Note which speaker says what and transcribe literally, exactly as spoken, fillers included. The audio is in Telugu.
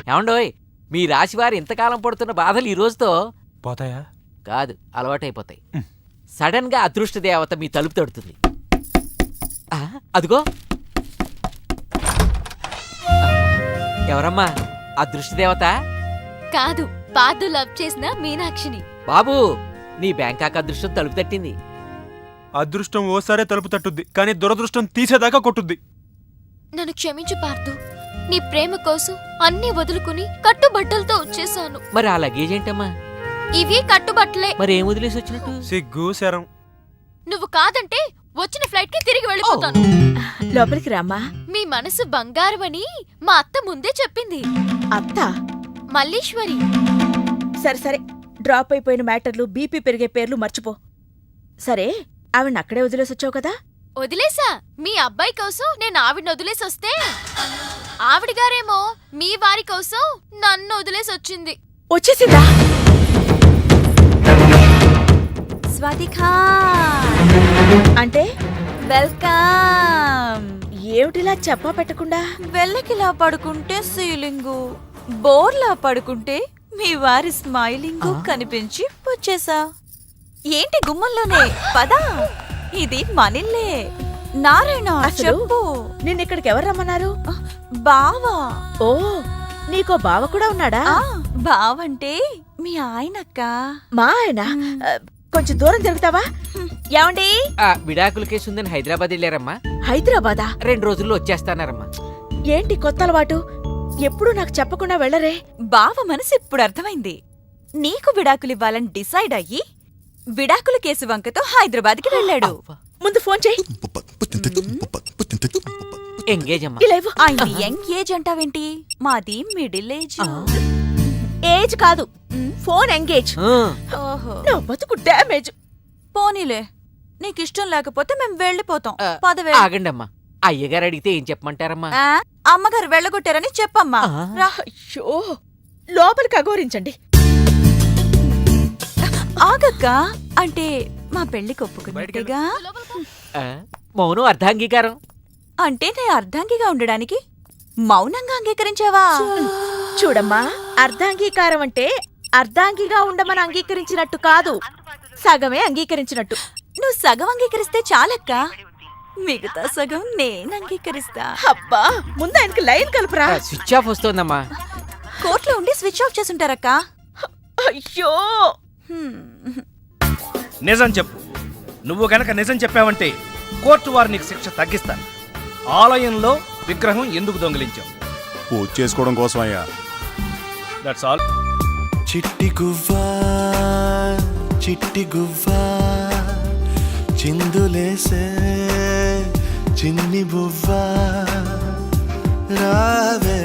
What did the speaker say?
Speaker 1: ఏమండోయ్, మీ రాశివారు ఇంతకాలం పడుతున్న బాధలు ఈ రోజుతో
Speaker 2: పోతాయా?
Speaker 1: కాదు, అలవాటైపోతాయి. సడన్ గా అదృష్ట దేవత మీ తలుపు తడుతుంది. ఆ, అదిగో. ఎవరమ్మా అదృష్ట దేవత?
Speaker 3: కాదు, పాదు లవ్ చేసిన మీనాక్షిని.
Speaker 1: బాబు, నీ బ్యాంకాక్ అదృష్టం తలుపు తట్టింది.
Speaker 2: అదృష్టం ఓసారే తలుపు తట్టుద్ది, కానీ దురదృష్టం తీసేదాకా కొట్టుద్ది.
Speaker 3: నన్ను క్షమించు పార్థు. నీ ప్రేమ కోసం అన్ని వదులుకుని కట్టుబట్టలతో వచ్చేసాను.
Speaker 1: మరి ఆ లగేజ్ ఏంటమ్మా?
Speaker 3: ఇవి కట్టుబట్టలే.
Speaker 1: మరి ఏం వదిలేసి వచ్చినట్టు?
Speaker 2: సిగ్గు శరం.
Speaker 3: నువ్వు కాదంటే వచ్చిన ఫ్లైట్ కి తిరిగి వెళ్ళిపోతాను.
Speaker 4: లోపలికి రామ్మా.
Speaker 3: మీ మనసు బంగారమని మా అత్త ముందే చెప్పింది.
Speaker 4: అత్త?
Speaker 3: మల్లీశ్వరి.
Speaker 4: సరే సరే, డ్రాప్ అయిపోయిన మ్యాటర్లు, బీపీ పెరిగే పేర్లు మర్చిపో. సరే, ఆవిడ అక్కడే వదిలేసొచ్చావు కదా?
Speaker 3: వదిలేసా. మీ అబ్బాయి కోసం నేను ఆవిడని వదిలేసొస్తే ఆవిడ గారేమో మీ వారి కోసం నన్ను వదిలేసొచ్చింది.
Speaker 4: వచ్చేసిందా?
Speaker 5: స్వాతికా
Speaker 4: అంటే
Speaker 5: వెల్కమ్.
Speaker 4: ఏమిటిలా చెప్పా పెట్టకుండా?
Speaker 5: వెళ్ళకిలా పడుకుంటే సీలింగు, బోర్లా పడుకుంటే మీ వారి స్మైలింగు కనిపించి వచ్చేసా. ఏంటి గుమ్మంలోనే? పదా, ఇది మనిల్లే. నారాయణ
Speaker 4: అసలు
Speaker 5: చెప్పు.
Speaker 4: నిన్నిక్కడికి ఎవరు రమ్మన్నారు?
Speaker 5: బావా.
Speaker 4: ఓ, నీకో బావ కూడా ఉన్నాడా?
Speaker 5: ఆ, బావంటే మీ ఆయనక్క.
Speaker 4: మా ఆయన? ఆ, కొంచెం దూరం జరుగుతావా? ఏమండి?
Speaker 1: ఆ విడాకుల కేసు ఉందని హైదరాబాద్ వెళ్ళారమ్మా.
Speaker 4: హైదరాబాదా?
Speaker 1: రెండు రోజుల్లో వచ్చేస్తానారమ్మా.
Speaker 4: ఏంటి కొత్త అలవాటు? ఎప్పుడు నాకు చెప్పకుండా వెళ్ళరే?
Speaker 5: బావ మనసు ఇప్పుడు అర్థమైంది. నీకు విడాకులివ్వాలని డిసైడ్ అయ్యి విడాకుల కేసు వంకతో హైదరాబాద్కి వెళ్ళాడు.
Speaker 4: ముందు ఫోన్ చెయ్యి.
Speaker 1: ఎంగేజ్ అమ్మా.
Speaker 4: ఇలా ఇవ్వు.
Speaker 5: ఆయన యంగ్ ఏజ్ అంటావేంటి? మాది మిడిల్ ఏజ్.
Speaker 4: ఏజ్ కాదు, ఫోన్ ఎంగేజ్.
Speaker 1: ఆ,
Speaker 5: ఓహో,
Speaker 4: నా బతుకు డ్యామేజ్.
Speaker 5: పోనీలే, నీకిష్టం లేకపోతే మేం వెళ్ళిపోతాం.
Speaker 1: ఆ,
Speaker 5: పదవే.
Speaker 1: ఆగండమ్మా. అయ్యగారు అడిగితే ఏం చెప్పమంటారమ్మా?
Speaker 5: ఆ, అమ్మగారు వెళ్ళగొట్టారని చెప్పమ్మా.
Speaker 1: ఆ.
Speaker 5: రా.
Speaker 4: అయ్యో, లోపలికి అఘోరించండి.
Speaker 5: ఆగక్క, అంటే మా పెళ్లికి ఒప్పుకున్నట్టుగా.
Speaker 1: ఆ, మౌనం అర్ధాంగీకారం.
Speaker 5: అంటే నే అర్ధాంగిగా ఉండడానికి మౌనంగా అంగీకరించావా?
Speaker 4: చూడమ్మా, అర్ధాంగీకారం అంటే అర్ధాంగిగా ఉండమని అంగీకరించినట్టు కాదు, సగమే అంగీకరించినట్టు.
Speaker 5: నువ్వు సగం అంగీకరిస్తే చాలక్క, మిగతా సగం నేను అంగీకరిస్తా.
Speaker 4: అబ్బా, ముందు ఆయనకి లైన్ కలుపురా.
Speaker 1: ఆ, స్విచ్ ఆఫ్ వస్తోందమ్మా.
Speaker 5: కోర్టులో ఉండి స్విచ్ ఆఫ్ చేసుంటారక్క.
Speaker 4: అయ్యో,
Speaker 5: హ్మ్.
Speaker 6: నిజం చెప్పు. నువ్వు గనక నిజం చెప్పావంటే కోర్టు వారు నీకు శిక్ష తగ్గిస్తారు. ఆలయంలో విగ్రహం ఎందుకు దొంగిలించావు?
Speaker 7: పూజ చేసుకోవడం కోసం అయ్యా.
Speaker 6: That's all.
Speaker 8: చిట్టి గువ్వా చిట్టి గువ్వా చిందులేసే చిన్ని బువ్వా రావే